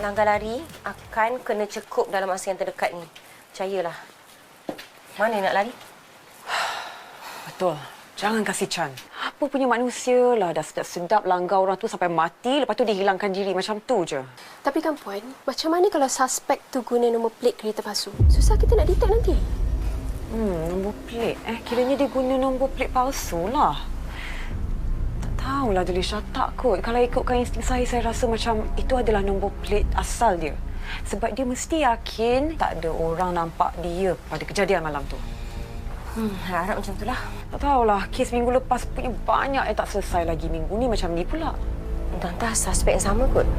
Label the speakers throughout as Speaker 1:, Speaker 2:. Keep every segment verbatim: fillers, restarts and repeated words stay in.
Speaker 1: langgar lari akan kena cekup dalam masa yang terdekat ni. Percayalah. Mana nak lari?
Speaker 2: Betul. Jangan kasih Chan. Apa punya manusia lah dah sedap-sedap langgar orang tu sampai mati, lepas tu dia hilangkan diri macam tu je.
Speaker 3: Tapi kan Puan, macam mana kalau suspek tu guna nombor plate kereta palsu? Susah kita nak detect nanti.
Speaker 2: Hmm, nombor plate. Eh, kiranya dia guna nombor plate palsu lah. Tak tahulah Delisha, tak kot. Kalau ikutkan insting saya, saya rasa macam itu adalah nombor plate asal dia. Sebab dia mesti yakin tak ada orang nampak dia pada kejadian malam tu.
Speaker 1: Hmm, harap macam itulah.
Speaker 2: Tak tahulah, kes minggu lepas punya banyak yang tak selesai lagi. Minggu ni macam ni pula.
Speaker 1: Entah-entah suspek yang sama kot.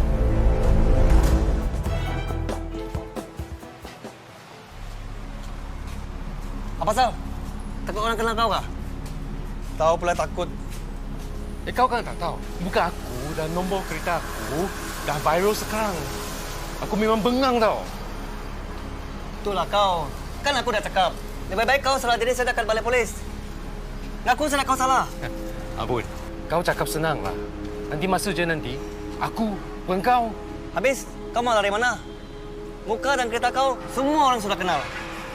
Speaker 4: Apa pasal? Takut orang kenal kau kah?
Speaker 5: Tahu pula takut.
Speaker 6: Eh, kau kan tak tahu. Bukan aku dan nombor kereta aku dah viral sekarang. Aku memang bengang tau.
Speaker 4: Itulah kau. Kan aku dah cakap. Lebih baik kau salah diri saya dekat balai polis. Ngaku salah kau salah.
Speaker 6: Abun, kau cakap senang lah. Nanti masa je nanti, aku, engkau.
Speaker 4: Habis, kau mau lari mana? Muka dan kereta kau, semua orang sudah kenal.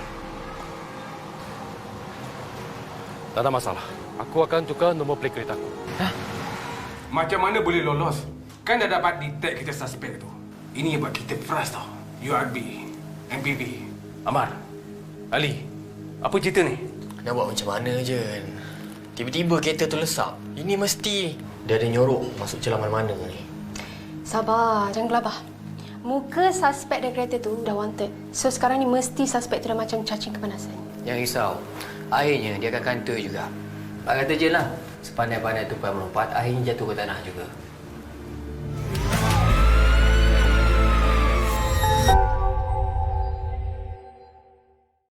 Speaker 6: Tak ada masalah. Aku akan tukar nombor plate keretaku.
Speaker 7: Hah? Macam mana boleh lolos? Kan dah dapat detect kita suspek tu. Ini buat kita frust tau. U R B, M P V.
Speaker 6: Amar, Ali, apa cerita ni?
Speaker 8: Nak buat macam mana je? Tiba-tiba kereta tu lesap. Ini mesti dia ada nyorok masuk celah mana-mana ni.
Speaker 3: Sabar, jangan gelabah. Muka suspek dan kereta tu dah wanted. So sekarang ni mesti suspek tu dah macam cacing kepanasan.
Speaker 8: Jangan risau. Akhirnya dia akan kantor juga. Pak kata je lah. Sepandai-pandai tupai melompat, akhirnya jatuh ke tanah juga.